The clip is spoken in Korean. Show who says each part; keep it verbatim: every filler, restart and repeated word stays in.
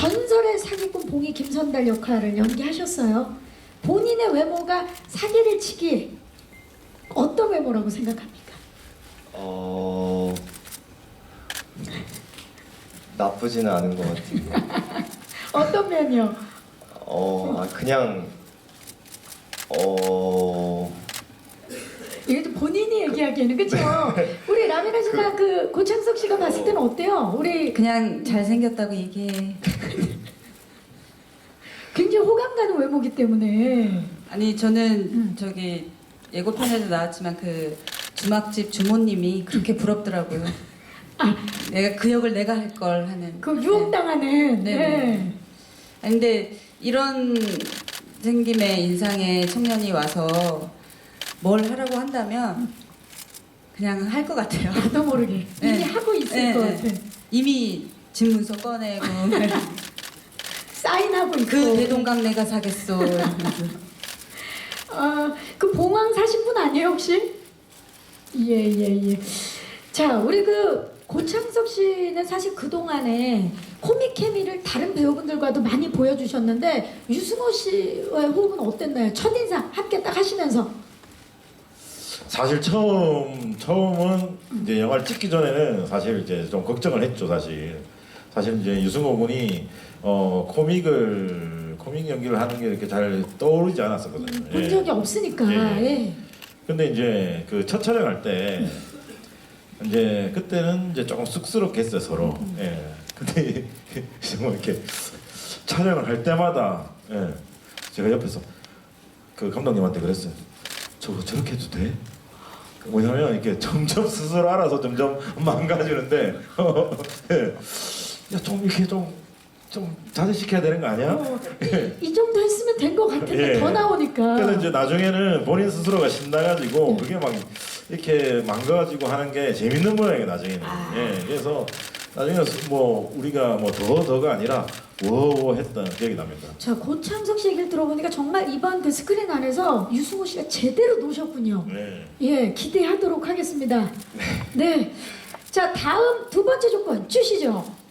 Speaker 1: 전설의 사기꾼 봉이 김선달 역할을 연기하셨어요. 본인의 외모가 사기를 치기에 어떤 외모라고 생각합니까?
Speaker 2: 어... 나쁘지는 않은 것 같아요.
Speaker 1: 어떤 면이요?
Speaker 2: 어... 아, 그냥... 어...
Speaker 1: 이게 좀 본인이 얘기하기에는 그렇죠. 우리 라미라 씨나 그 고창석 씨가 봤을 때는 어때요? 우리
Speaker 3: 그냥 잘생겼다고 얘기해.
Speaker 1: 굉장히 호감 가는 외모기 때문에.
Speaker 3: 아니 저는
Speaker 1: 음.
Speaker 3: 저기 예고편에도 나왔지만 그 주막집 주모님이 그렇게 부럽더라고요.
Speaker 1: 아,
Speaker 3: 내가 그 역을 내가 할 걸 하는.
Speaker 1: 그 유혹당하는.
Speaker 3: 네.
Speaker 1: 네.
Speaker 3: 네. 아니, 근데 이런 생김의 인상의 청년이 와서 뭘 하라고 한다면 그냥 할 것 같아요.
Speaker 1: 나도 모르게 이미
Speaker 3: 네.
Speaker 1: 하고 있을
Speaker 3: 네,
Speaker 1: 것
Speaker 3: 네.
Speaker 1: 같아.
Speaker 3: 이미 집 문서 꺼내고
Speaker 1: 사인하고 있고.
Speaker 3: 그 대동강 내가 사겠소. 이러면서.
Speaker 1: 어, 그 봉황 사신 분 아니에요 혹시? 예예 예. 자 우리 그 고창석 씨는 사실 그 동안에 코믹 케미를 다른 배우분들과도 많이 보여주셨는데 유승호 씨와의 호흡은 어땠나요? 첫 인상 함께 딱 하시면서.
Speaker 4: 사실 처음 처음은 이제 영화를 찍기 전에는 사실 이제 좀 걱정을 했죠. 사실 사실 이제 유승호 군이 어 코믹을 코믹 연기를 하는 게 이렇게 잘 떠오르지 않았었거든요.
Speaker 1: 본
Speaker 4: 예.
Speaker 1: 적이 없으니까.
Speaker 4: 예.
Speaker 1: 예.
Speaker 4: 근데 이제 그 첫 촬영할 때 이제 그때는 이제 조금 쑥스럽게 했어요 서로. 예. 근데 정말 이렇게 촬영을 할 때마다 예. 제가 옆에서 그 감독님한테 그랬어요. 저거 저렇게 해도 돼? 뭐냐면 이렇게 점점 스스로 알아서 점점 망가지는데 예. 야좀 이렇게 좀 좀 자제시켜야 되는 거 아니야?
Speaker 1: 어, 이, 이 정도 했으면 된 것 같은데
Speaker 4: 예.
Speaker 1: 더 나오니까.
Speaker 4: 그래서 이제 나중에는 본인 스스로가 신나가지고 그게 막 이렇게 망가지고 하는 게 재밌는 모양이에요 나중에는.
Speaker 1: 아.
Speaker 4: 예, 그래서 나중에 뭐 우리가 뭐 더 더가 아니라 워워 했던 기억이 납니다.
Speaker 1: 자 고창석 씨 얘기를 들어보니까 정말 이번 그 스크린 안에서 유승호 씨가 제대로 노셨군요.
Speaker 4: 네.
Speaker 1: 예, 기대하도록 하겠습니다. 네. 자 다음 두 번째 조건 주시죠.